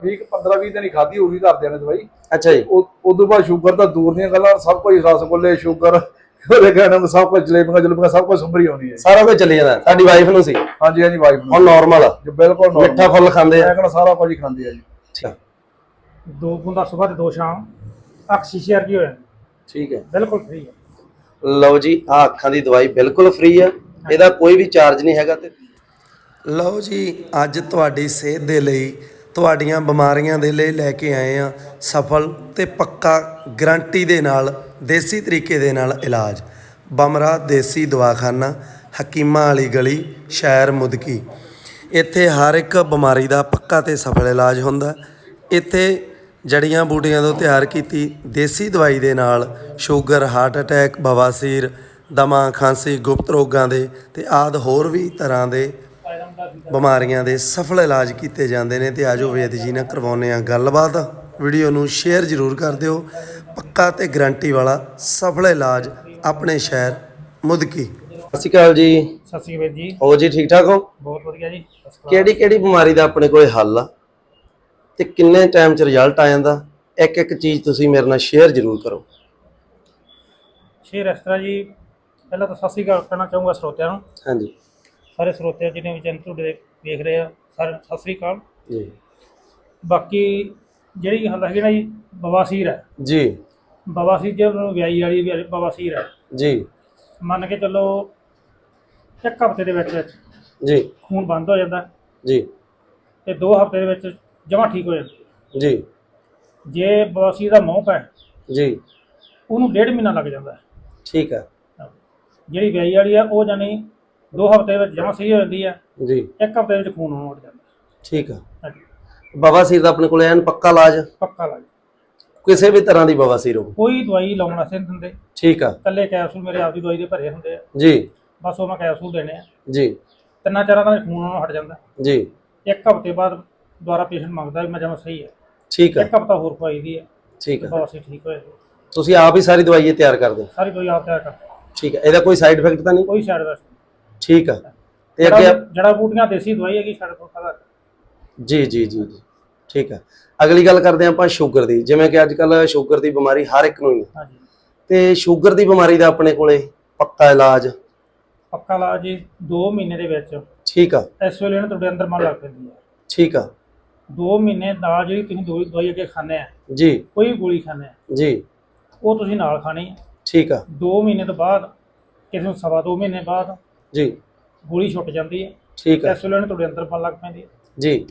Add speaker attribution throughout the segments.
Speaker 1: 15-20 दिन ही खाधी होगी घरदिਆਂ ਨੇ दवाई।
Speaker 2: अच्छा जी।
Speaker 1: उदों बाद शुगर तो दूर दी गल्लां, सब कुछ रसगुल्ले शुगर सब कुछ जलेबियां सब कुछ संभरी होनी है,
Speaker 2: सारा कुछ चली जाता। साडी वाइफ नु सी?
Speaker 1: हाँ जी, हाँ जी, वाइफ
Speaker 2: हुण नॉर्मल
Speaker 1: जो बिल्कुल
Speaker 2: मिठा फुल खांदे आ,
Speaker 1: सारा कुछ ही खांदे आ जी।
Speaker 2: ठीक
Speaker 3: 2 बूंदा सुबह ते 2 शाम, अख शीशे वर्गी हो जाती,
Speaker 2: ठीक है,
Speaker 3: बिल्कुल फ्री है।
Speaker 2: ਲਓ ਜੀ ਆ ਅੱਖਾਂ ਦੀ ਦਵਾਈ ਬਿਲਕੁਲ ਫ੍ਰੀ ਆ, ਇਹਦਾ ਕੋਈ ਵੀ ਚਾਰਜ ਨਹੀਂ ਹੈਗਾ। ਤੇ ਲਓ ਜੀ ਅੱਜ ਤੁਹਾਡੀ ਸਿਹਤ ਦੇ ਲਈ, ਤੁਹਾਡੀਆਂ ਬਿਮਾਰੀਆਂ ਦੇ ਲਈ ਲੈ ਕੇ ਆਏ ਆ ਸਫਲ ਤੇ ਪੱਕਾ ਗਰੰਟੀ ਦੇ ਨਾਲ ਦੇਸੀ ਤਰੀਕੇ ਦੇ ਨਾਲ ਇਲਾਜ। ਬਮਰਾ ਦੇਸੀ ਦਵਾਖਾਨਾ, ਹਕੀਮਾਂ ਵਾਲੀ ਗਲੀ, ਸ਼ਹਿਰ ਮੁਦਕੀ। ਇੱਥੇ ਹਰ ਇੱਕ ਬਿਮਾਰੀ ਦਾ ਪੱਕਾ ਤੇ ਸਫਲ ਇਲਾਜ ਹੁੰਦਾ। ਇੱਥੇ ਜੜੀਆਂ ਬੂਟੀਆਂ ਤੋਂ ਤਿਆਰ ਕੀਤੀ ਦੇਸੀ ਦਵਾਈ ਦੇ ਨਾਲ ਸ਼ੂਗਰ, ਹਾਰਟ ਅਟੈਕ, ਬਵਾਸੀਰ, ਦਮਾ, ਖਾਂਸੀ, ਗੁਪਤ ਰੋਗਾਂ ਦੇ ਤੇ ਆਦਿ ਹੋਰ ਵੀ ਤਰ੍ਹਾਂ ਦੇ ਬਿਮਾਰੀਆਂ ਦੇ ਸਫਲ ਇਲਾਜ ਕੀਤੇ ਜਾਂਦੇ ਨੇ। ਤੇ ਆਜੋ ਵੇਦ ਜੀ ਨਾਲ ਕਰਵਾਉਂਦੇ ਆ ਗੱਲਬਾਤ। ਵੀਡੀਓ ਨੂੰ ਸ਼ੇਅਰ ਜ਼ਰੂਰ ਕਰ ਦਿਓ। ਪੱਕਾ ਤੇ ਗਰੰਟੀ ਵਾਲਾ ਸਫਲ ਇਲਾਜ ਆਪਣੇ ਸ਼ਹਿਰ ਮੁਦਕੀ। ਸਤਿ ਸ਼੍ਰੀ ਅਕਾਲ ਜੀ।
Speaker 3: ਸਤਿ ਸ਼੍ਰੀ ਅਕਾਲ ਜੀ।
Speaker 2: ਹੋ ਜੀ ਠੀਕ ਠਾਕ ਹੋ?
Speaker 3: ਬਹੁਤ ਵਧੀਆ ਜੀ।
Speaker 2: ਕਿਹੜੀ ਕਿਹੜੀ ਬਿਮਾਰੀ ਦਾ ਆਪਣੇ ਕੋਲੇ ਹੱਲ ਆ ਤੇ ਕਿੰਨੇ ਟਾਈਮ 'ਚ ਰਿਜ਼ਲਟ ਆ ਜਾਂਦਾ? ਇੱਕ ਇੱਕ ਚੀਜ਼ ਤੁਸੀਂ ਮੇਰੇ ਨਾਲ ਸ਼ੇਅਰ ਜ਼ਰੂਰ ਕਰੋ।
Speaker 3: ਸ਼ੇਅਰ ਇਸ ਤਰ੍ਹਾਂ ਜੀ, ਪਹਿਲਾਂ ਤਾਂ ਸਤਿ ਸ਼੍ਰੀ ਅਕਾਲ ਕਹਿਣਾ ਚਾਹੂੰਗਾ ਸਰੋਤਿਆਂ ਨੂੰ।
Speaker 2: ਹਾਂਜੀ,
Speaker 3: ਸਾਰੇ ਸਰੋਤੇ ਜਿਹਨੇ ਵੀ ਚੈਨਲ ਤੁਹਾਡੇ ਦੇਖ ਰਹੇ ਆ, ਸਾਰੇ ਸਤਿ ਸ਼੍ਰੀ ਅਕਾਲ
Speaker 2: ਜੀ।
Speaker 3: ਬਾਕੀ ਜਿਹੜੀ ਗੱਲ ਹੈਗੀ ਨਾ ਜੀ, ਬਵਾਸੀਰ ਹੈ
Speaker 2: ਜੀ
Speaker 3: ਬਵਾਸੀਰ, ਜਿਹਨੂੰ ਵਿਆਹੀ ਵਾਲੀ ਬਵਾਸੀਰ ਹੈ
Speaker 2: ਜੀ।
Speaker 3: ਮੰਨ ਕੇ ਚੱਲੋ 1 ਹਫ਼ਤੇ ਦੇ ਵਿੱਚ
Speaker 2: ਜੀ
Speaker 3: ਖੂਨ ਬੰਦ ਹੋ ਜਾਂਦਾ
Speaker 2: ਜੀ
Speaker 3: ਤੇ 2 ਹਫ਼ਤੇ ਦੇ ਵਿੱਚ ਜਮਾਂ ਠੀਕ ਹੋ ਜਾਂਦੀ।
Speaker 2: ਜੀ
Speaker 3: ਜੇ ਬਵਾਸੀਰ ਦਾ ਮੌਕ ਹੈ
Speaker 2: ਜੀ,
Speaker 3: ਉਹਨੂੰ 1.5 ਮਹੀਨਾ ਲੱਗ ਜਾਂਦਾ।
Speaker 2: ਠੀਕ ਹੈ
Speaker 3: ਜਿਹੜੀ ਵਿਆਹੀ ਵਾਲੀ ਆ ਉਹ ਜਾਨੀ 2 ਹਫ਼ਤੇ ਵਿੱਚ ਜਮਾਂ ਸਹੀ ਹੋ ਜਾਂਦੀ ਆ,
Speaker 2: ਜੀ।
Speaker 3: 1 ਹਫ਼ਤੇ ਵਿੱਚ ਖੂਨ ਆਉਣ ਉੱਡ ਜਾਂਦਾ।
Speaker 2: ਠੀਕ ਆ।
Speaker 3: ਹਾਂਜੀ,
Speaker 2: ਬਵਾਸੀਰ ਦਾ ਆਪਣੇ ਕੋਲ ਐਨ ਪੱਕਾ ਇਲਾਜ,
Speaker 3: ਪੱਕਾ ਲੱਗ
Speaker 2: ਕਿਸੇ ਵੀ ਤਰ੍ਹਾਂ ਦੀ ਬਵਾਸੀਰ ਹੋ?
Speaker 3: ਕੋਈ ਦਵਾਈ ਲਾਉਣ ਵਾਸਤੇ ਨਹੀਂ ਦਿੰਦੇ।
Speaker 2: ਠੀਕ ਆ
Speaker 3: ਇਕੱਲੇ ਕੈਪਸੂਲ ਮੇਰੇ ਆਪ ਦੀ ਦਵਾਈ ਦੇ ਭਰੇ ਹੁੰਦੇ ਆ,
Speaker 2: ਜੀ
Speaker 3: ਬਸ ਉਹ ਮੈਂ ਕੈਪਸੂਲ ਦੇਣੇ ਆ।
Speaker 2: ਜੀ
Speaker 3: 3-4 ਦਿਨਾਂ ਵਿੱਚ ਖੂਨ ਆਉਣੋਂ ਹਟ ਜਾਂਦਾ।
Speaker 2: ਜੀ।
Speaker 3: 1 ਹਫ਼ਤੇ ਬਾਅਦ ਦੁਬਾਰਾ ਪੇਸ਼ੈਂਟ ਮੰਗਦਾ ਵੀ ਮੈਂ ਜਮਾਂ ਸਹੀ ਹੈ,
Speaker 2: ਠੀਕ ਆ
Speaker 3: 1 ਹਫ਼ਤਾ ਹੋਰ ਖਵਾਈ ਦੀ ਹੈ,
Speaker 2: ਠੀਕ ਆ।
Speaker 3: ਬਸ ਠੀਕ ਹੋ ਜਾਂਦੀ।
Speaker 2: ਤੁਸੀਂ ਆਪ ਹੀ ਸਾਰੀ ਦਵਾਈ ਇਹ ਤਿਆਰ ਕਰਦੇ?
Speaker 3: ਸਾਰੀ ਦਵਾਈ ਆਪ ਤਿਆਰ ਕਰਦੇ,
Speaker 2: ਠੀਕ ਹੈ। ਇਹਦਾ ਕੋਈ ਸਾਈਡ ਇਫੈਕਟ ਤਾਂ ਨਹੀਂ?
Speaker 3: ਕੋਈ ਸਾਈਡ ਇਫੈਕਟ ਨਹੀਂ।
Speaker 2: ਠੀਕ ਆ। ਤੇ ਅੱਗੇ
Speaker 3: ਜੜਾ ਬੂਟੀਆਂ ਦੇਸੀ ਦਵਾਈ ਹੈਗੀ ਸਾਡੇ ਕੋਲ ਸਾਰਾ।
Speaker 2: ਜੀ ਜੀ ਜੀ ਜੀ, ਠੀਕ ਆ। ਅਗਲੀ ਗੱਲ ਕਰਦੇ ਆਪਾਂ ਸ਼ੂਗਰ ਦੀ। ਜਿਵੇਂ ਕਿ ਅੱਜ ਕੱਲ ਸ਼ੂਗਰ ਦੀ ਬਿਮਾਰੀ ਹਰ ਇੱਕ ਨੂੰ ਹੀ ਹੈ,
Speaker 3: ਹਾਂਜੀ।
Speaker 2: ਤੇ ਸ਼ੂਗਰ ਦੀ ਬਿਮਾਰੀ ਦਾ ਆਪਣੇ ਕੋਲੇ ਪੱਕਾ ਇਲਾਜ?
Speaker 3: ਪੱਕਾ ਇਲਾਜ ਜੀ 2 ਮਹੀਨੇ ਦੇ ਵਿੱਚ।
Speaker 2: ਠੀਕ ਆ।
Speaker 3: ਇਸ ਵੇਲੇ ਨਾ ਤੁਹਾਡੇ ਅੰਦਰ ਮਨ ਲੱਗ ਪੈਂਦੀ ਹੈ।
Speaker 2: ਠੀਕ ਆ
Speaker 3: 2 ਮਹੀਨੇ ਨਾਲ ਜਿਹੜੀ ਤੁਸੀਂ ਦਵਾਈ ਅੱਗੇ ਖਾਂਦੇ ਆ,
Speaker 2: ਜੀ,
Speaker 3: ਕੋਈ ਗੋਲੀ ਖਾਂਦੇ ਆ,
Speaker 2: ਜੀ,
Speaker 3: ਉਹ ਤੁਸੀਂ ਨਾਲ ਖਾਣੀ ਹੈ।
Speaker 2: ਠੀਕ ਆ
Speaker 3: 2 ਮਹੀਨੇ ਤੋਂ ਬਾਅਦ, ਕਿਸੇ ਨੂੰ 2.25 ਮਹੀਨੇ ਬਾਅਦ
Speaker 2: ਜੀ,
Speaker 3: ਗੋਲੀ ਛੁੱਟ ਜਾਂਦੀ ਹੈ।
Speaker 2: ਠੀਕ ਆ
Speaker 3: ਇਸ ਵੇਲੇ ਤੁਹਾਡੇ ਅੰਦਰ ਮਨ ਲੱਗ ਪੈਂਦੀ ਹੈ।
Speaker 2: ਜੀ।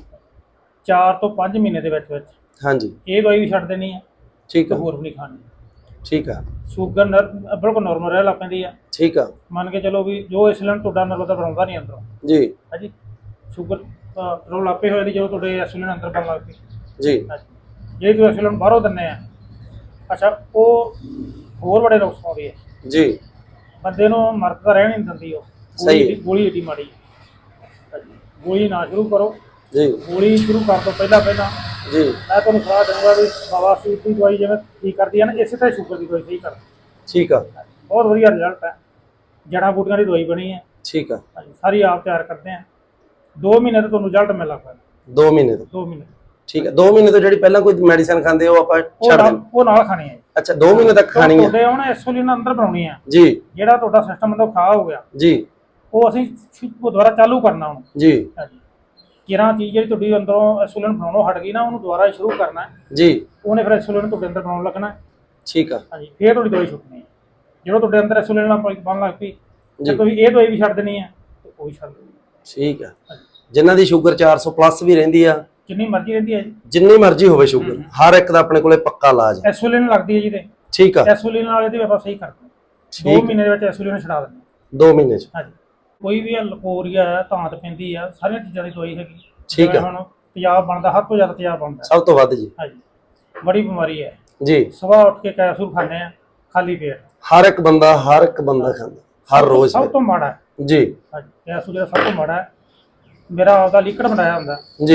Speaker 3: 4 ਤੋਂ 5 ਮਹੀਨੇ ਦੇ ਵਿੱਚ
Speaker 2: ਹਾਂਜੀ,
Speaker 3: ਇਹ ਦਵਾਈ ਵੀ ਛੱਡ ਦੇਣੀ ਹੈ
Speaker 2: ਠੀਕ
Speaker 3: ਤੇ
Speaker 2: ਆ
Speaker 3: ਹੋਰ ਵੀ ਨਹੀਂ ਖਾਣੀ।
Speaker 2: ਠੀਕ ਆ
Speaker 3: ਸ਼ੂਗਰ ਬਿਲਕੁਲ ਨਾਰਮਲ ਰਹਿ ਲੱਗ ਪੈਂਦੀ ਆ।
Speaker 2: ਠੀਕ ਆ
Speaker 3: ਮੰਨ ਕੇ ਚਲੋ ਵੀ ਜੋ ਇਨਸੂਲਿਨ ਤੁਹਾਡਾ ਨਰਵ ਦਾ ਬਣਾਉਂਦਾ ਨਹੀਂ ਅੰਦਰੋਂ,
Speaker 2: ਜੀ
Speaker 3: ਹਾਂਜੀ, ਸ਼ੂਗਰ ਰੋਲ ਆਪੇ ਹੋਏ ਦੀ ਜਦੋਂ ਤੁਹਾਡੇ ਇਨਸੂਲਿਨ ਅੰਦਰ ਬਣ ਲੱਗ ਪਈ,
Speaker 2: ਜੀ।
Speaker 3: ਹਾਂਜੀ। ਜੇ ਤੁਸੀਂ ਇਨਸੂਲਿਨ ਬਾਹਰੋਂ ਦਿੰਦੇ ਆ, ਅੱਛਾ, ਉਹ ਹੋਰ ਬੜੇ ਨੁਕਸ ਪਾਉਂਦੀ ਹੈ
Speaker 2: ਜੀ,
Speaker 3: ਬੰਦੇ ਨੂੰ, ਮਰਦ ਤਾਂ ਰਹਿਣ ਨਹੀਂ ਦਿੰਦੀ ਉਹ।
Speaker 2: ਸਹੀ ਹੈ।
Speaker 3: ਗੋਲੀ ਏਡੀ ਮਾੜੀ ਹੈ, ਹਾਂਜੀ। ਗੋਲੀ ਨਾ ਸ਼ੁਰੂ ਕਰੋ।
Speaker 2: ਜੀ
Speaker 3: ਗੋਲੀ ਸ਼ੁਰੂ ਕਰਨ ਤੋਂ ਪਹਿਲਾਂ
Speaker 2: ਜੀ,
Speaker 3: ਮੈਂ ਤੁਹਾਨੂੰ ਸਲਾਹ ਦਊਂਗਾ ਵੀ ਬਵਾਸੀਰ ਦੀ ਦਵਾਈ ਜਿਵੇਂ ਠੀਕ ਕਰਦੀ ਹੈ ਨਾ, ਇਸੇ ਤਰ੍ਹਾਂ ਸ਼ੂਗਰ ਦੀ ਦਵਾਈ ਸਹੀ ਕਰਦੀ।
Speaker 2: ਠੀਕ ਆ
Speaker 3: ਬਹੁਤ ਵਧੀਆ ਰਿਜ਼ਲਟ ਹੈ। ਜੜ੍ਹਾਂ ਬੂਟੀਆਂ ਦੀ ਦਵਾਈ ਬਣੀ ਹੈ,
Speaker 2: ਠੀਕ ਆ।
Speaker 3: ਹਾਂਜੀ, ਸਾਰੀ ਆਪ ਤਿਆਰ ਕਰਦੇ ਆ। 2 ਮਹੀਨੇ ਤੋਂ ਤੁਹਾਨੂੰ ਰਿਜ਼ਲਟ ਮਿਲ ਲੱਗ ਪੈਂਦਾ।
Speaker 2: 2 ਮਹੀਨੇ ਤੋਂ?
Speaker 3: 2 ਮਹੀਨੇ
Speaker 2: ਠੀਕ ਆ। 2 ਮਹੀਨੇ ਤੋਂ ਜਿਹੜੀ ਪਹਿਲਾਂ ਕੋਈ ਮੈਡੀਸਨ ਖਾਂਦੇ ਉਹ ਆਪਾਂ ਛੱਡ ਦਿੰਦੇ?
Speaker 3: ਉਹ ਨਾਲ ਖਾਣੀ ਹੈ।
Speaker 2: ਅੱਛਾ, 2 ਮਹੀਨੇ ਤੱਕ ਖਾਣੀ ਹੈ?
Speaker 3: ਤੁਹਾਡੇ ਹੁਣ ਇਨਸੂਲਿਨ ਅੰਦਰ ਬਣਾਉਣੀ ਆ
Speaker 2: ਜੀ।
Speaker 3: ਜਿਹੜਾ ਤੁਹਾਡਾ ਸਿਸਟਮ ਅੰਦਰ ਖਰਾਬ ਹੋ ਗਿਆ
Speaker 2: ਜੀ,
Speaker 3: ਉਹ ਅਸੀਂ ਦੁਬਾਰਾ ਚਾਲੂ ਕਰਨਾ ਹੁਣ,
Speaker 2: ਜੀ,
Speaker 3: ਹਾਂਜੀ। ਕਿਰਾਂ ਚੀਜ਼ ਜਿਹੜੀ ਤੁਹਾਡੀ ਅੰਦਰੋਂ ਇਨਸੂਲਿਨ ਬਣਾਉਣੋਂ ਹਟ ਗਈ ਨਾ, ਉਹਨੂੰ ਦੁਬਾਰਾ ਸ਼ੁਰੂ ਕਰਨਾ ਹੈ।
Speaker 2: ਜੀ,
Speaker 3: ਉਹਨੇ ਫਿਰ ਇਨਸੂਲਿਨ ਤੁਹਾਡੇ ਅੰਦਰ ਬਣਾਉਣ ਲੱਗਣਾ,
Speaker 2: ਠੀਕ ਆ,
Speaker 3: ਹਾਂਜੀ। ਫਿਰ ਤੁਹਾਡੀ ਦਵਾਈ ਛੁੱਟਣੀ ਹੈ। ਜਦੋਂ ਤੁਹਾਡੇ ਅੰਦਰ ਇਨਸੂਲਿਨ ਬਣਨ ਲੱਗ ਪਈ,
Speaker 2: ਜੀ,
Speaker 3: ਜੇ ਤੁਸੀਂ ਇਹ ਦਵਾਈ ਵੀ ਛੱਡ ਦੇਣੀ ਹੈ ਤੇ ਉਹ ਵੀ ਛੱਡ ਦੇਣੀ ਹੈ।
Speaker 2: ਠੀਕ ਆ। ਜਿਨ੍ਹਾਂ ਦੀ ਸ਼ੂਗਰ 400 ਪਲੱਸ ਵੀ ਰਹਿੰਦੀ ਆ,
Speaker 3: ਜਿੰਨੀ ਮਰਜ਼ੀ ਰਹਿੰਦੀ ਹੈ ਜੀ,
Speaker 2: ਜਿੰਨੀ ਮਰਜ਼ੀ ਹੋਵੇ ਸ਼ੂਗਰ, ਹਰ ਇੱਕ ਦਾ ਆਪਣੇ ਕੋਲੇ ਪੱਕਾ ਇਲਾਜ ਹੈ।
Speaker 3: ਇਨਸੂਲਿਨ ਲੱਗਦੀ ਹੈ ਜੀ ਤੇ
Speaker 2: ਠੀਕ ਆ।
Speaker 3: ਇਨਸੂਲਿਨ ਨਾਲ ਇਹਦੀ ਆਪਾਂ ਸਹੀ ਕਰਦੇ ਹਾਂ। 2 ਮਹੀਨੇ ਦੇ ਵਿੱਚ ਇਨਸੂਲਿਨ ਛਡਾ ਦਿੰਦੇ
Speaker 2: 2 ਮਹੀਨੇ ਚ?
Speaker 3: ਹਾਂਜੀ। ਕੋਈ ਵੀ ਲਕੋਰੀਆ ਹੈ, ਧਾਂਤ ਪੈਂਦੀ ਆ, ਸਾਰੀਆਂ ਚੀਜ਼ਾਂ ਦੀ ਦਵਾਈ ਹੈਗੀ।
Speaker 2: ਠੀਕ ਆ।
Speaker 3: ਹੁਣ ਤੇਜ਼ਾਬ ਬਣਦਾ, ਹੱਦ ਤੋਂ ਜ਼ਿਆਦਾ ਤੇਜ਼ਾਬ ਬਣਦਾ,
Speaker 2: ਸਭ ਤੋਂ ਵੱਧ ਜੀ,
Speaker 3: ਹਾਂਜੀ। ਬੜੀ ਬਿਮਾਰੀ ਹੈ
Speaker 2: ਜੀ।
Speaker 3: ਸਵੇਰ ਉੱਠ ਕੇ ਕੈਪਸੂਲ ਖਾਂਦੇ ਆ ਖਾਲੀ ਪੇਟ।
Speaker 2: ਹਰ ਇੱਕ ਬੰਦਾ ਖਾਂਦਾ ਹਰ ਰੋਜ਼।
Speaker 3: ਸਭ ਤੋਂ ਮਾੜਾ ਹੈ
Speaker 2: ਜੀ,
Speaker 3: ਹਾਂਜੀ, ਕੈਪਸੂਲ ਜਿਹੜਾ ਸਭ ਤੋਂ ਮਾੜਾ ਹੈ। ਮੇਰਾ ਆਪਦਾ ਲਿਕੜ ਬਣਾਇਆ ਹੁੰਦਾ
Speaker 2: ਜੀ।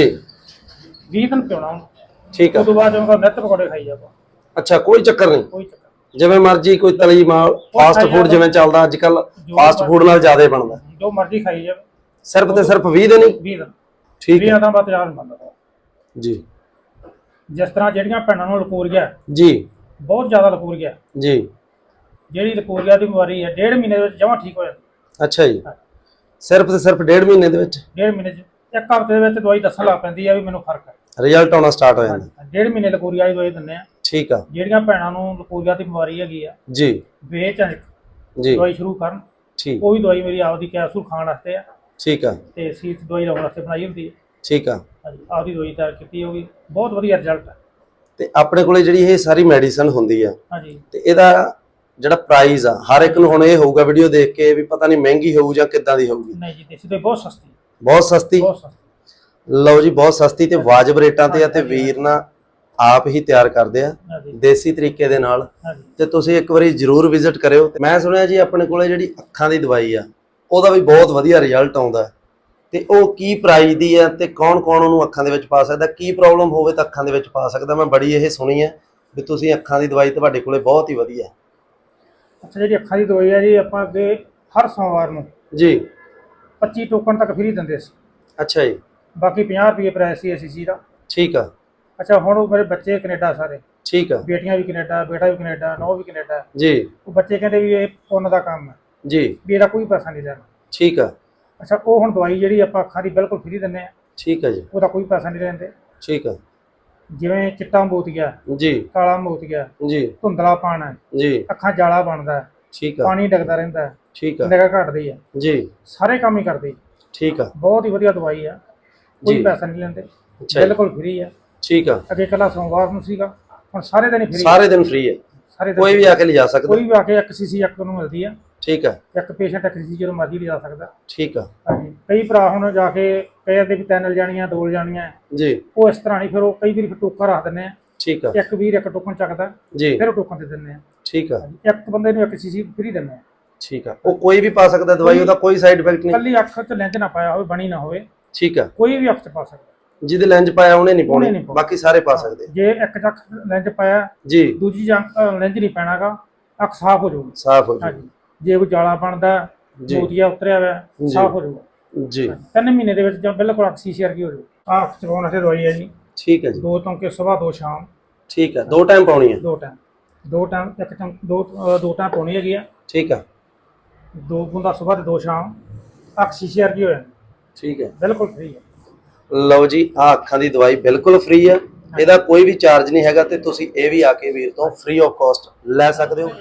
Speaker 3: 20 ਦਿਨ ਪਿਉਣਾ ਉਹਨੂੰ,
Speaker 2: ਠੀਕ ਆ।
Speaker 3: ਉਸ ਤੋਂ ਬਾਅਦ ਜਦੋਂ ਨਿੱਤ ਪਕੌੜੇ ਖਾਈ ਜਾਵਾ,
Speaker 2: ਅੱਛਾ, ਕੋਈ ਚੱਕਰ ਨਹੀਂ?
Speaker 3: ਕੋਈ ਚੱਕਰ ਨਹੀਂ।
Speaker 2: ਜਿਵੇਂ ਮਰਜ਼ੀ ਕੋਈ ਤਲੀ ਮਾਲ ਫਾਸਟ ਫੂਡ ਜਿਵੇਂ ਚੱਲਦਾ ਅੱਜ ਕੱਲ, ਫਾਸਟ ਫੂਡ ਨਾਲ ਜ਼ਿਆਦਾ ਬਣਦਾ,
Speaker 3: ਜੋ ਮਰਜ਼ੀ ਖਾਈ ਜਾਵੇ।
Speaker 2: ਸਿਰਫ ਤੇ ਸਿਰਫ 20 ਦਿਨ ਹੀ?
Speaker 3: 20 ਦਿਨ।
Speaker 2: ਠੀਕ
Speaker 3: 20 ਦਿਨਾਂ ਬਾਅਦ ਤੇਜ਼ਾਬ ਨਹੀਂ ਬਣਦਾ
Speaker 2: ਜੀ।
Speaker 3: ਜਿਸ ਤਰ੍ਹਾਂ ਜਿਹੜੀਆਂ ਭੈਣਾਂ ਨੂੰ ਲਕੋਰੀਆ
Speaker 2: ਜੀ
Speaker 3: ਬਹੁਤ ਜ਼ਿਆਦਾ ਲਕੋਰੀਆ,
Speaker 2: ਜੀ
Speaker 3: ਜਿਹੜੀ ਲਕੋਰੀਆ ਦੀ ਬਿਮਾਰੀ ਹੈ 1.5 ਮਹੀਨੇ ਦੇ ਵਿੱਚ ਜਮਾਂ ਠੀਕ ਹੋ ਜਾਂਦੀ।
Speaker 2: ਅੱਛਾ ਜੀ, ਸਿਰਫ ਤੇ ਸਿਰਫ 1.5 ਮਹੀਨੇ ਦੇ ਵਿੱਚ
Speaker 3: 1.5 ਮਹੀਨੇ 'ਚ, ਇੱਕ ਹਫ਼ਤੇ ਦੇ ਵਿੱਚ ਦਵਾਈ ਦੱਸਣ ਲੱਗ ਪੈਂਦੀ ਆ ਵੀ ਮੈਨੂੰ ਫਰਕ ਹੈ।
Speaker 2: ਰਿਜ਼ਲਟ ਆਉਣਾ ਸਟਾਰਟ ਹੋ ਜਾਂਦਾ।
Speaker 3: 1.5 ਮਹੀਨੇ ਲਕੋਰੀਆ ਦੀ ਦਵਾਈ ਦਿੰਦੇ ਆ।
Speaker 2: ਠੀਕ ਆ
Speaker 3: ਜਿਹੜੀਆਂ ਭੈਣਾਂ ਨੂੰ ਲਕੋਰੀਆ ਦੀ ਬਿਮਾਰੀ ਹੈਗੀ ਆ,
Speaker 2: ਜੀ
Speaker 3: ਬੇਝਿਜਕ
Speaker 2: ਜੀ
Speaker 3: ਦਵਾਈ ਸ਼ੁਰੂ ਕਰਨ।
Speaker 2: ਠੀਕ
Speaker 3: ਉਹ ਵੀ ਦਵਾਈ ਮੇਰੀ ਆਪਦੀ ਕੈਪਸੂਲ ਖਾਣ ਵਾਸਤੇ ਆ
Speaker 2: ਠੀਕ ਆ
Speaker 3: ਤੇ ਸੀਤ ਦਵਾਈ ਲਾਉਣ ਵਾਸਤੇ ਬਣਾਈ ਹੁੰਦੀ ਹੈ।
Speaker 2: ਠੀਕ ਆ।
Speaker 3: ਹਾਂਜੀ, ਆਪਦੀ ਦਵਾਈ ਤਿਆਰ ਕੀਤੀ ਹੋਗੀ, ਬਹੁਤ ਵਧੀਆ ਰਿਜ਼ਲਟ ਹੈ।
Speaker 2: ਤੇ ਆਪਣੇ ਕੋਲੇ ਜਿਹੜੀ ਇਹ ਸਾਰੀ ਮੈਡੀਸਨ ਹੁੰਦੀ ਆ
Speaker 3: ਹਾਂਜੀ,
Speaker 2: ਤੇ ਇਹਦਾ ਜਿਹੜਾ ਪ੍ਰਾਈਸ ਆ ਹਰ ਇੱਕ ਨੂੰ ਹੁਣ ਇਹ ਹੋਊਗਾ ਵੀਡੀਓ ਦੇਖ ਕੇ ਵੀ ਪਤਾ ਨਹੀਂ ਮਹਿੰਗੀ ਹੋਊ ਜਾਂ ਕਿੱਦਾਂ ਦੀ ਹੋਊਗੀ।
Speaker 3: ਨਹੀਂ ਜੀ, ਦੇਸੀ ਦਵਾਈ ਬਹੁਤ ਸਸਤੀ,
Speaker 2: ਬਹੁਤ ਸਸਤੀ।
Speaker 3: ਬਹੁਤ ਸਸਤੀ।
Speaker 2: ਲਓ ਜੀ, ਬਹੁਤ ਸਸਤੀ ਤੇ ਵਾਜਬ ਰੇਟਾਂ ਤੇ ਆ ਤੇ ਵੀਰ ਨਾ ਆਪ ਹੀ ਤਿਆਰ ਕਰਦੇ ਆ
Speaker 3: ਹਾਂਜੀ
Speaker 2: ਦੇਸੀ ਤਰੀਕੇ ਦੇ ਨਾਲ।
Speaker 3: ਹਾਂਜੀ,
Speaker 2: ਤੇ ਤੁਸੀਂ ਇੱਕ ਵਾਰੀ ਜਰੂਰ ਵਿਜ਼ਿਟ ਕਰਿਓ। ਤੇ ਮੈਂ ਸੁਣਿਆ ਜੀ ਆਪਣੇ ਕੋਲੇ ਜਿਹੜੀ ਅੱਖਾਂ ਦੀ ਦਵਾਈ ਆ ਉਹਦਾ ਵੀ ਬਹੁਤ ਵਧੀਆ ਰਿਜ਼ਲਟ ਆਉਂਦਾ ਤੇ ਉਹ ਕੀ ਪ੍ਰਾਈਸ ਦੀ ਆ ਤੇ ਕੌਣ ਕੌਣ ਉਹਨੂੰ ਅੱਖਾਂ ਦੇ ਵਿੱਚ ਪਾ ਸਕਦਾ, ਕੀ ਪ੍ਰੋਬਲਮ ਹੋਵੇ ਤਾਂ ਅੱਖਾਂ ਦੇ ਵਿੱਚ ਪਾ ਸਕਦਾ। ਮੈਂ ਬੜੀ ਇਹ ਸੁਣੀ ਹੈ ਵੀ ਤੁਸੀਂ ਅੱਖਾਂ ਦੀ ਦਵਾਈ ਤੁਹਾਡੇ ਕੋਲੇ ਬਹੁਤ ਹੀ ਵਧੀਆ।
Speaker 3: ਅੱਛਾ, ਜਿਹੜੀ ਅੱਖਾਂ ਦੀ ਦਵਾਈ ਹੈ ਜੀ, ਆਪਾਂ ਅੱਗੇ ਹਰ ਸੋਮਵਾਰ ਨੂੰ
Speaker 2: ਜੀ
Speaker 3: 25 ਟੋਕਨ ਤੱਕ ਫ੍ਰੀ ਦਿੰਦੇ ਸੀ।
Speaker 2: ਅੱਛਾ ਜੀ,
Speaker 3: ਬਾਕੀ 50 ਰੁਪਏ ਪ੍ਰਾਈਸ ਸੀ ਐਸਸੀ ਦਾ।
Speaker 2: ਠੀਕ ਆ।
Speaker 3: ਅੱਛਾ, ਹੁਣ ਉਹ ਮੇਰੇ ਬੱਚੇ ਕੈਨੇਡਾ ਸਾਰੇ,
Speaker 2: ਠੀਕ ਆ
Speaker 3: ਬੇਟੀਆਂ ਵੀ ਕੈਨੇਡਾ, ਬੇਟਾ ਵੀ ਕੈਨੇਡਾ, ਨੌ ਵੀ ਕੈਨੇਡਾ।
Speaker 2: ਜੀ
Speaker 3: ਉਹ ਬੱਚੇ ਕਹਿੰਦੇ ਵੀ ਇਹ ਪੁੰਨ ਦਾ ਕੰਮ ਹੈ,
Speaker 2: ਜੀ
Speaker 3: ਵੀ ਇਹਦਾ ਕੋਈ ਪੈਸਾ ਨਹੀਂ ਲੈਣਾ।
Speaker 2: ਠੀਕ ਆ।
Speaker 3: ਅੱਛਾ, ਉਹ ਹੁਣ ਦਵਾਈ ਜਿਹੜੀ ਆਪਾਂ ਅੱਖਾਂ ਦੀ ਬਿਲਕੁਲ ਫ੍ਰੀ ਦਿੰਦੇ ਆ,
Speaker 2: ਠੀਕ ਆ ਜੀ,
Speaker 3: ਉਹਦਾ ਕੋਈ ਪੈਸਾ ਨਹੀਂ ਲੈਂਦੇ।
Speaker 2: ਠੀਕ ਆ
Speaker 3: ਜਿਵੇਂ ਚਿੱਟਾ ਮੋਤੀਆ,
Speaker 2: ਜੀ
Speaker 3: ਕਾਲਾ ਮੋਤੀਆ,
Speaker 2: ਜੀ
Speaker 3: ਧੁੰਦਲਾ ਪਾਣਾ,
Speaker 2: ਜੀ
Speaker 3: ਅੱਖਾਂ ਜਾਲਾ ਬਣਦਾ,
Speaker 2: ਠੀਕ ਆ
Speaker 3: ਪਾਣੀ ਡਿੱਗਦਾ ਰਹਿੰਦਾ,
Speaker 2: ਠੀਕ ਆ
Speaker 3: ਨਿਗਾਹ ਘਟਦੀ ਹੈ,
Speaker 2: ਜੀ
Speaker 3: ਸਾਰੇ ਕੰਮ ਹੀ ਕਰਦੇ।
Speaker 2: ਠੀਕ ਆ
Speaker 3: ਬਹੁਤ ਹੀ ਵਧੀਆ ਦਵਾਈ ਆ,
Speaker 2: ਜੀ।
Speaker 3: ਕੋਈ ਪੈਸਾ ਨਹੀਂ ਲੈਂਦੇ,
Speaker 2: ਅੱਛਾ ਜੀ,
Speaker 3: ਬਿਲਕੁਲ ਫ੍ਰੀ ਆ।
Speaker 2: ਠੀਕ ਆ।
Speaker 3: ਅੱਗੇ ਇਕੱਲਾ ਸੋਮਵਾਰ ਨੂੰ ਸੀਗਾ, ਹੁਣ ਸਾਰੇ ਦਿਨ ਹੀ ਫ੍ਰੀ।
Speaker 2: ਸਾਰੇ ਦਿਨ ਫ੍ਰੀ ਹੈ,
Speaker 3: ਸਾਰੇ ਦਿਨ
Speaker 2: ਕੋਈ ਵੀ ਆ ਕੇ ਲਿਜਾ ਸਕਦਾ।
Speaker 3: ਕੋਈ ਵੀ ਆ ਕੇ 1 ਸੀਸੀ ਇੱਕ ਨੂੰ ਮਿਲਦੀ ਆ।
Speaker 2: ਠੀਕ ਆ
Speaker 3: ਇੱਕ ਪੇਸ਼ੈਂਟ 1 ਸੀਸੀ ਜਦੋਂ ਮਰਜ਼ੀ ਲਿਜਾ ਸਕਦਾ।
Speaker 2: ਠੀਕ ਆ
Speaker 3: ਹਾਂਜੀ, ਕਈ ਭਰਾ ਹੁਣ ਜਾ ਕੇ ਕਹਿੰਦੇ ਵੀ 3 ਲਿਜਾਣੀਆਂ 2 ਲਿਜਾਣੀਆਂ,
Speaker 2: ਜੀ
Speaker 3: ਉਹ ਇਸ ਤਰ੍ਹਾਂ ਨਹੀਂ, ਫਿਰ ਉਹ ਕਈ ਵਾਰੀ ਫਿਰ ਟੋਕਨ ਰੱਖ ਦਿੰਦੇ ਆ।
Speaker 2: ਠੀਕ ਆ
Speaker 3: ਇੱਕ ਵੀਰ ਇੱਕ ਟੋਕਨ ਚੱਕਦਾ,
Speaker 2: ਜੀ
Speaker 3: ਫਿਰ ਉਹ ਟੋਕਨ ਦੇ ਦਿੰਦੇ ਆ।
Speaker 2: ਠੀਕ ਆ
Speaker 3: ਇੱਕ ਬੰਦੇ ਨੂੰ 1 ਸੀਸੀ ਫ੍ਰੀ ਦਿੰਦੇ ਆ।
Speaker 2: ਠੀਕ ਆ। ਉਹ ਕੋਈ ਵੀ ਪਾ ਸਕਦਾ ਦਵਾਈ, ਉਹਦਾ ਕੋਈ ਸਾਈਡ ਇਫੈਕਟ ਨਹੀਂ।
Speaker 3: ਕੱਲੀ ਅੱਖ 'ਚ ਲੈਂਜ ਨਾ ਪਾਇਆ ਹੋਵੇ, ਬਣੀ ਨਾ ਹੋਵੇ,
Speaker 2: ਠੀਕ ਆ।
Speaker 3: ਕੋਈ ਵੀ ਅੱਖ 'ਚ ਪਾ ਸਕਦਾ।
Speaker 2: ਜਿਹਦੇ ਲੈਂਜ ਪਾਇਆ ਉਹਨੇ ਨਹੀਂ
Speaker 3: ਉਹਨੇ
Speaker 2: ਪਾਉਣੀ,
Speaker 3: ਨਹੀਂ ਪਾਉਣੀ।
Speaker 2: ਬਾਕੀ ਸਾਰੇ ਪਾ ਸਕਦੇ।
Speaker 3: ਜੇ ਇੱਕ ਅੱਖ ਲੈਂਜ ਪਾਇਆ,
Speaker 2: ਜੀ
Speaker 3: ਦੂਜੀ ਲੈਂਜ ਨਹੀਂ ਪੈਣਾਗਾ, ਅੱਖ ਸਾਫ਼ ਹੋ ਜਾਊਗੀ।
Speaker 2: ਸਾਫ਼ ਹੋ ਜੀ।
Speaker 3: ਹਾਂਜੀ, ਜੇ ਕੋਈ ਜਾਲਾ ਬਣਦਾ,
Speaker 2: ਜੀ।
Speaker 3: ਮੋਤੀਆ ਉਤਰਿਆ ਹੋਇਆ,
Speaker 2: ਜੀ।
Speaker 3: ਸਾਫ਼ ਹੋ ਜਾਊਗਾ।
Speaker 2: ਜੀ
Speaker 3: 3 ਮਹੀਨੇ ਦੇ ਵਿੱਚ ਜਾਂ ਬਿਲਕੁਲ ਅੱਖ ਸ਼ੀਸ਼ੇ ਵਰਗੀ ਹੋ ਜਾਊ। ਆਹ ਅੱਖ ਚਵਾਉਣ ਵਾਸਤੇ ਦਵਾਈ ਹੈ ਜੀ,
Speaker 2: ਠੀਕ ਹੈ ਜੀ,
Speaker 3: 2 ਟੋਂਕੇ ਸਵੇਰ 2 ਸ਼ਾਮ,
Speaker 2: ਠੀਕ ਹੈ। 2 ਟਾਈਮ ਪਾਉਣੀ ਹੈ।
Speaker 3: 2 ਟਾਈਮ, 2 ਟਾਈਮ, ਇੱਕ ਟਾਈਮ, 2 ਟਾਈਮ ਪਾਉਣੀ ਹੈਗੀ ਆ।
Speaker 2: ਠੀਕ ਆ
Speaker 3: 2 ਬੂੰਦਾਂ ਸਵੇਰ ਤੇ 2 ਸ਼ਾਮ, ਅੱਖ ਸ਼ੀਸ਼ੇ ਵਰਗੀ ਹੋ ਜਾਂਦੀ,
Speaker 2: ਠੀਕ ਹੈ।
Speaker 3: ਬਿਲਕੁਲ ਫ੍ਰੀ ਹੈ।
Speaker 2: ਲਓ ਜੀ, ਆ ਅੱਖਾਂ ਦੀ ਦਵਾਈ ਬਿਲਕੁਲ ਫ੍ਰੀ ਆ, ਇਹਦਾ ਕੋਈ ਵੀ ਚਾਰਜ ਨਹੀਂ ਹੈਗਾ ਤੇ ਤੁਸੀਂ ਇਹ ਵੀ ਆ ਕੇ ਵੀਰ ਤੋਂ ਫ੍ਰੀ ਆਫ ਕਾਸਟ ਲੈ ਸਕਦੇ ਹੋ।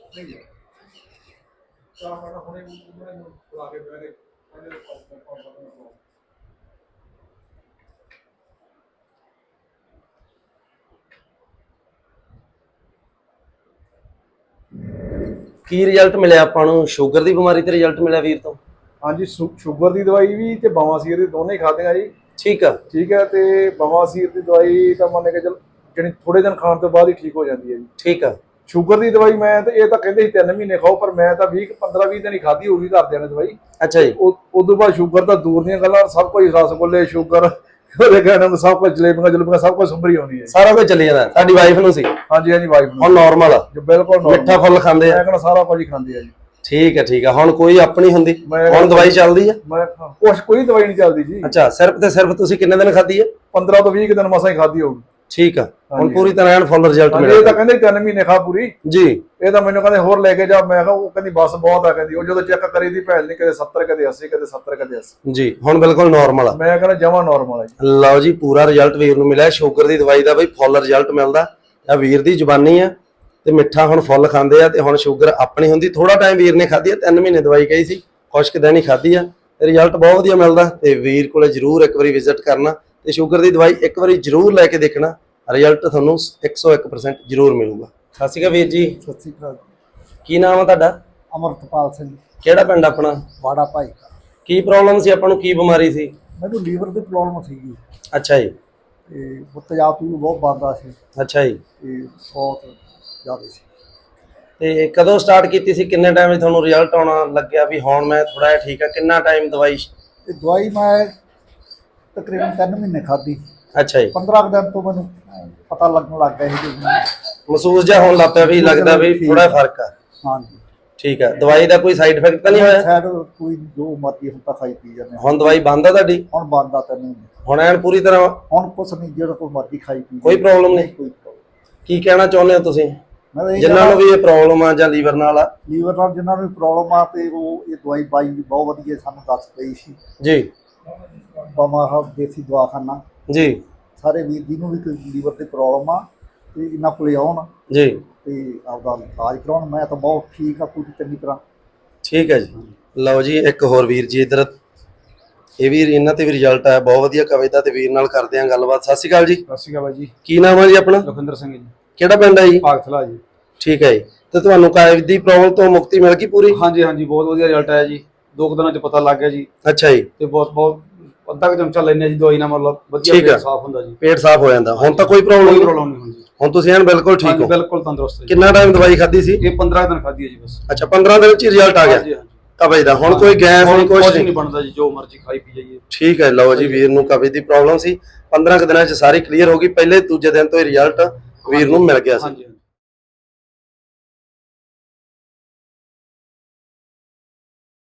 Speaker 2: ਕੀ ਰਿਜ਼ਲਟ ਮਿਲਿਆ ਆਪਾਂ ਨੂੰ? ਸ਼ੂਗਰ ਦੀ ਬਿਮਾਰੀ ਤੇ ਰਿਜ਼ਲਟ ਮਿਲਿਆ ਵੀਰ ਤੋਂ?
Speaker 1: ਹਾਂਜੀ, ਸ਼ੂਗਰ ਦੀ ਦਵਾਈ ਵੀ ਤੇ ਬਵਾਸੀਰ ਦੀ ਦੋਨੇ ਹੀ ਖਾਧੀਆਂ ਜੀ।
Speaker 2: ਠੀਕ ਆ
Speaker 1: ਠੀਕ ਹੈ, ਤੇ ਬਵਾਸੀਰ ਦੀ ਦਵਾਈ ਤਾਂ ਮੰਨ ਕੇ ਚੱਲ ਜਿਹੜੀ ਥੋੜੇ ਦਿਨ ਖਾਣ ਤੋਂ ਬਾਅਦ ਹੀ ਠੀਕ ਹੋ ਜਾਂਦੀ ਹੈ ਜੀ।
Speaker 2: ਠੀਕ ਆ
Speaker 1: ਸ਼ੂਗਰ ਦੀ ਦਵਾਈ ਮੈਂ ਤੇ ਇਹ ਤਾਂ ਕਹਿੰਦੇ ਸੀ 3 ਮਹੀਨੇ ਖਾਓ, ਪਰ ਮੈਂ ਤਾਂ 15-20 ਦਿਨ ਹੀ ਖਾਧੀ ਹੋਊਗੀ ਘਰਦਿਆਂ ਨੇ ਦਵਾਈ।
Speaker 2: ਅੱਛਾ ਜੀ,
Speaker 1: ਉਸ ਤੋਂ ਬਾਅਦ ਸ਼ੂਗਰ ਤਾਂ ਦੂਰ ਦੀਆਂ ਗੱਲਾਂ, ਸਭ ਕੁਝ ਰਸਗੁੱਲੇ, ਸ਼ੂਗਰ, ਉਹਦੇ ਕਹਿਣ ਨੂੰ ਸਭ ਕੁਝ, ਜਲੇਬੀਆਂ ਸਭ ਕੁਝ ਸੰਭਰੀ ਆਉਂਦੀ ਹੈ।
Speaker 2: ਸਾਰਾ ਕੁਝ ਚੱਲੀ ਜਾਂਦਾ। ਤੁਹਾਡੀ ਵਾਈਫ ਨੂੰ ਸੀ?
Speaker 1: ਹਾਂਜੀ ਹਾਂਜੀ, ਵਾਈਫ ਨੂੰ
Speaker 2: ਹੁਣ ਨਾਰਮਲ ਆ,
Speaker 1: ਜੋ ਬਿਲਕੁਲ normal।
Speaker 2: ਮਿੱਠਾ ਫੁੱਲ ਖਾਂਦੇ ਆ?
Speaker 1: ਮੈਂ ਕਹਿੰਦਾ ਸਾਰਾ ਕੁਝ ਹੀ ਖਾਂਦੀ ਆ ਜੀ।
Speaker 2: ਠੀਕ ਹੈ ਠੀਕ ਆ। ਹੁਣ ਕੋਈ ਆਪਣੀ ਹੁੰਦੀ?
Speaker 1: ਮੈਂ-
Speaker 2: ਹੁਣ ਦਵਾਈ ਚੱਲਦੀ ਆ?
Speaker 1: ਮੈਂ ਕੋਈ ਦਵਾਈ ਨਹੀਂ ਚੱਲਦੀ ਜੀ।
Speaker 2: ਅੱਛਾ, ਸਿਰਫ ਤੇ ਸਿਰਫ ਤੁਸੀਂ ਕਿੰਨੇ ਦਿਨ ਖਾਧੀ ਹੈ?
Speaker 1: 15 ਤੋਂ 20 ਦਿਨ ਮਸਾਂ ਹੀ ਖਾਧੀ ਹੋਊਗੀ।
Speaker 2: ਠੀਕ ਆ। ਹੁਣ
Speaker 1: ਹਾਂਜੀ।
Speaker 2: ਪੂਰੀ ਤਰ੍ਹਾਂ ਐਨ ਫੁੱਲ ਰਿਜ਼ਲਟ
Speaker 1: ਹਾਂਜੀ, ਇਹ
Speaker 2: ਮਿਲਿਆ?
Speaker 1: ਤਾਂ ਕਹਿੰਦੇ 3 ਮਹੀਨੇ ਖਾ ਪੂਰੀ।
Speaker 2: ਜੀ
Speaker 1: ਇਹ ਤਾਂ ਮੈਨੂੰ ਕਹਿੰਦੇ ਹੋਰ ਲੈ ਕੇ ਜਾ, ਮੈਂ ਕਿਹਾ ਉਹ ਕਹਿੰਦੀ ਬਸ ਬਹੁਤ ਆ, ਕਹਿੰਦੀ ਉਹ ਜਦੋਂ ਚੈੱਕ ਕਰੀ ਦੀ ਭੈਣ ਨੇ ਕਦੇ 70 ਕਦੇ 80 ਕਦੇ 70 ਕਦੇ 80।
Speaker 2: ਜੀ, ਹੁਣ ਬਿਲਕੁਲ ਨਾਰਮਲ ਆ।
Speaker 1: ਮੈਂ ਕਹਿੰਦਾ ਜਮਾਂ ਨਾਰਮਲ ਹੈ ਜੀ।
Speaker 2: ਲਓ ਜੀ, ਪੂਰਾ ਰਿਜ਼ਲਟ ਵੀਰ ਨੂੰ ਮਿਲਿਆ ਸ਼ੂਗਰ ਦੀ ਦਵਾਈ ਦਾ ਬਈ, ਫੁੱਲ ਰਿਜ਼ਲਟ ਮਿਲਦਾ। ਆ ਵੀਰ ਦੀ ਜ਼ੁਬਾਨੀ ਆ ਤੇ ਮਿੱਠਾ ਹੁਣ ਫੁੱਲ ਖਾਂਦੇ ਆ ਤੇ ਹੁਣ ਸ਼ੂਗਰ ਆਪਣੀ ਹੁੰਦੀ। ਥੋੜਾ ਟਾਈਮ ਵੀਰ ਨੇ ਖਾਧੀ ਆ, 3 ਮਹੀਨੇ ਦਵਾਈ ਕਹੀ ਸੀ, ਖੁਸ਼ਕ ਦਿਨ ਹੀ ਖਾਧੀ ਆ ਤੇ ਰਿਜ਼ਲਟ ਬਹੁਤ ਵਧੀਆ ਮਿਲਦਾ। ਤੇ ਵੀਰ ਕੋਲੇ ਜਰੂਰ ਇੱਕ ਵਾਰੀ ਵਿਜ਼ਿਟ ਕਰਨਾ ਤੇ ਸ਼ੂਗਰ ਦੀ ਦਵਾਈ ਇੱਕ ਵਾਰੀ ਜਰੂਰ ਲੈ ਕੇ ਦੇਖਣਾ, ਰਿਜ਼ਲਟ ਤੁਹਾਨੂੰ 101% ਜਰੂਰ ਮਿਲੂਗਾ। ਸਤਿ ਸ਼੍ਰੀ ਅਕਾਲ ਵੀਰ ਜੀ।
Speaker 4: ਸਤਿ ਸ਼੍ਰੀ ਅਕਾਲ।
Speaker 2: ਕੀ ਨਾਮ ਆ ਤੁਹਾਡਾ?
Speaker 4: ਅਮਰਤਪਾਲ ਸਿੰਘ,
Speaker 2: ਕਿਹੜਾ ਪਿੰਡ ਆਪਣਾ?
Speaker 4: ਵਾੜਾ ਭਾਈ ਕਾ।
Speaker 2: ਕੀ ਪ੍ਰੋਬਲਮ ਸੀ ਆਪਾਂ ਨੂੰ? ਕੀ ਬਿਮਾਰੀ ਸੀ?
Speaker 4: ਮੈਨੂੰ ਲੀਵਰ ਦੀ ਪ੍ਰੋਬਲਮ ਸੀਗੀ
Speaker 2: ਅੱਛਾ ਜੀ,
Speaker 4: ਤੇ ਤੇਜ਼ਾਬ ਵੀ ਬਹੁਤ ਵੱਧਦਾ ਸੀ
Speaker 2: ਅੱਛਾ ਜੀ।
Speaker 4: ਤੇ ਬਹੁਤ ਜ਼ਿਆਦਾ ਸੀ।
Speaker 2: ਤੇ ਕਦੋਂ ਸਟਾਰਟ ਕੀਤੀ ਸੀ? ਕਿੰਨੇ ਟਾਈਮ ਵਿੱਚ ਤੁਹਾਨੂੰ ਰਿਜ਼ਲਟ ਆਉਣਾ ਲੱਗਿਆ ਵੀ ਹੁਣ ਮੈਂ ਥੋੜਾ ਜਿਹਾ ਠੀਕ ਆ? ਕਿੰਨਾ ਟਾਈਮ ਦਵਾਈ?
Speaker 4: ਤੇ ਦਵਾਈ ਮੈਂ ਤਕਰੀਬਨ 3 ਮਹੀਨੇ ਖਾਧੀ।
Speaker 2: ਅੱਛਾ ਜੀ।
Speaker 4: 15 ਕੁ ਦਿਨ ਤੋਂ ਮੈਨੂੰ ਪਤਾ ਲੱਗਣ ਲੱਗ ਗਿਆ ਸੀ ਕਿ
Speaker 2: ਮਹਿਸੂਸ ਜਿਹਾ ਹੋਣ ਲੱਗ ਪਿਆ ਵੀ ਲੱਗਦਾ ਵੀ ਥੋੜਾ ਫਰਕ ਆ?
Speaker 4: ਹਾਂਜੀ।
Speaker 2: ਠੀਕ ਹੈ, ਦਵਾਈ ਦਾ ਕੋਈ ਸਾਈਡ ਇਫੈਕਟ ਤਾਂ ਨਹੀਂ ਹੋਇਆ?
Speaker 4: ਸਾਈਡ ਕੋਈ ਜੋ ਮਰਜ਼ੀ ਹੁਣ ਤਾਂ ਖਾਈ ਪੀ ਜਾਂਦੇ ਹਾਂ।
Speaker 2: ਹੁਣ ਦਵਾਈ ਬੰਦ ਆ ਤੁਹਾਡੀ?
Speaker 4: ਹੁਣ ਬੰਦਾ ਤੈਨੂੰ
Speaker 2: ਹੁਣ ਐਨ ਪੂਰੀ ਤਰ੍ਹਾਂ
Speaker 4: ਹੁਣ ਕੁਛ ਨਹੀਂ, ਜਿਹੜਾ ਕੋਈ ਮਰਜ਼ੀ ਖਾਈ ਪੀ
Speaker 2: ਕੋਈ ਪ੍ਰੋਬਲਮ ਨਹੀਂ?
Speaker 4: ਕੋਈ problem।
Speaker 2: ਕੀ ਕਹਿਣਾ ਚਾਹੁੰਦੇ ਹੋ ਤੁਸੀਂ
Speaker 4: ਮੈਂ ਤਾਂ ਇਹ
Speaker 2: ਜਿਨ੍ਹਾਂ ਨੂੰ ਵੀ ਇਹ ਪ੍ਰੋਬਲਮ ਆ ਜਾਂ ਲੀਵਰ ਨਾਲ ਆ?
Speaker 4: ਲੀਵਰ ਨਾਲ ਜਿਨ੍ਹਾਂ ਨੂੰ ਪ੍ਰੋਬਲਮ ਆ ਤੇ ਉਹ ਇਹ ਦਵਾਈ ਬਾਈ ਦੀ ਬਹੁਤ ਵਧੀਆ ਸਾਨੂੰ ਦੱਸ ਪਈ ਸੀ।
Speaker 2: ਜੀ
Speaker 4: ਬਮਾਹਾ ਦੇਸੀ ਦਵਾਖਾਨਾ,
Speaker 2: ਜੀ
Speaker 4: ਸਾਰੇ ਵੀਰ ਜੀ ਨੂੰ ਵੀ ਕੋਈ ਲੀਵਰ ਤੇ ਪ੍ਰੋਬਲਮ ਆ ਤੇ ਇਹਨਾਂ ਕੋਲੇ ਆਉਣ
Speaker 2: ਜੀ,
Speaker 4: ਤੇ ਆਪਦਾ ਇਲਾਜ ਕਰਾਉਣ। ਮੈਂ ਤਾਂ ਬਹੁਤ ਠੀਕ ਆ ਪੂਰੀ ਚੰਗੀ ਤਰ੍ਹਾਂ।
Speaker 2: ਠੀਕ ਹੈ ਜੀ। ਲਓ ਜੀ ਇੱਕ ਹੋਰ ਵੀਰ ਜੀ ਇੱਧਰ, ਇਹ ਵੀ ਇਹਨਾਂ ਤੇ ਵੀ ਰਿਜ਼ਲਟ ਆਇਆ ਬਹੁਤ ਵਧੀਆ ਕਵਿਤਾ ਦਾ, ਤੇ ਵੀਰ ਨਾਲ ਕਰਦੇ ਆਂ ਗੱਲਬਾਤ। ਸਤਿ ਸ਼੍ਰੀ ਅਕਾਲ ਜੀ।
Speaker 1: ਸਤਿ ਸ਼੍ਰੀ ਅਕਾਲ ਜੀ।
Speaker 2: ਕੀ ਨਾਮ ਹੈ ਜੀ ਆਪਣਾ?
Speaker 1: ਲਖਵਿੰਦਰ ਸਿੰਘ ਜੀ,
Speaker 2: ਕਿਹੜਾ ਪਿੰਡ ਹੈ ਜੀ?
Speaker 1: ਭਾਗਥਲਾ ਜੀ।
Speaker 2: ਠੀਕ ਹੈ ਜੀ। ਤੇ ਤੁਹਾਨੂੰ ਕਾਇਵ ਦੀ ਪ੍ਰੋਬਲਮ ਤੋਂ ਮੁਕਤੀ ਮਿਲ ਗਈ ਪੂਰੀ?
Speaker 1: ਹਾਂਜੀ ਹਾਂਜੀ, ਬਹੁਤ ਵਧੀਆ ਰਿਜ਼ਲਟ ਆਇਆ ਜੀ। 2 ਦਿਨਾਂ ਚ ਪਤਾ ਲੱਗ ਗਿਆ ਜੀ।
Speaker 2: ਅੱਛਾ ਜੀ।
Speaker 1: ਤੇ ਬਹੁਤ ਅੱਧਾ ਕੁ ਚਮਚਾ ਲੈਣੇ ਜੀ ਦਵਾਈ ਨਾਲ, ਮਤਲਬ ਵਧੀਆ
Speaker 2: ਠੀਕ ਆ।
Speaker 1: ਪੇਟ ਸਾਫ਼ ਹੁੰਦਾ ਜੀ।
Speaker 2: ਪੇਟ ਸਾਫ਼ ਹੋ ਜਾਂਦਾ। ਹੁਣ ਤਾਂ ਕੋਈ ਪ੍ਰੋਬਲਮ
Speaker 1: ਕੋਈ
Speaker 2: ਨਹੀਂ?
Speaker 1: ਪ੍ਰੋਬਲਮ ਨਹੀਂ ਹੁੰਦੀ।
Speaker 2: ਹੁਣ ਤੁਸੀਂ ਐਨ ਬਿਲਕੁਲ ਠੀਕ
Speaker 1: ਹਾਂਜੀ
Speaker 2: ਹੋ?
Speaker 1: ਬਿਲਕੁਲ ਤੰਦਰੁਸਤ ਹੈ ਜੀ।
Speaker 2: ਕਿੰਨਾ ਟਾਈਮ ਦਵਾਈ ਖਾਧੀ ਸੀ?
Speaker 1: ਇਹ 15 ਦਿਨ ਖਾਧੀ ਹੈ ਜੀ ਬਸ।
Speaker 2: ਅੱਛਾ 15 ਦਿਨ ਚ ਰਿਜ਼ਲਟ ਆ ਗਿਆ
Speaker 1: ਹਾਂਜੀ ਹਾਂਜੀ,
Speaker 2: ਕਬਜ਼ ਦਾ? ਹੁਣ ਕੋਈ ਗੈਸ ਨਹੀਂ, ਕੁਛ
Speaker 1: ਕੁਛ
Speaker 2: ਨਹੀਂ?
Speaker 1: ਨਹੀਂ ਬਣਦਾ ਜੀ, ਜੋ ਮਰਜ਼ੀ ਖਾਈ ਪੀ ਜਾਈਏ।
Speaker 2: ਠੀਕ ਹੈ। ਲਓ ਜੀ ਵੀਰ ਨੂੰ ਕਬਜ਼ ਦੀ ਪ੍ਰੋਬਲਮ ਸੀ, 15 ਕੁ ਦਿਨਾਂ ਚ ਸਾਰੀ ਕਲੀਅਰ ਹੋ ਗਈ। ਪਹਿਲੇ ਦੂਜੇ ਦਿਨ ਤੋਂ ਹੀ ਰਿਜ਼ਲਟ ਵੀਰ ਨੂੰ ਮਿਲ ਗਿਆ ਸੀ।
Speaker 1: ਹਾਂਜੀ।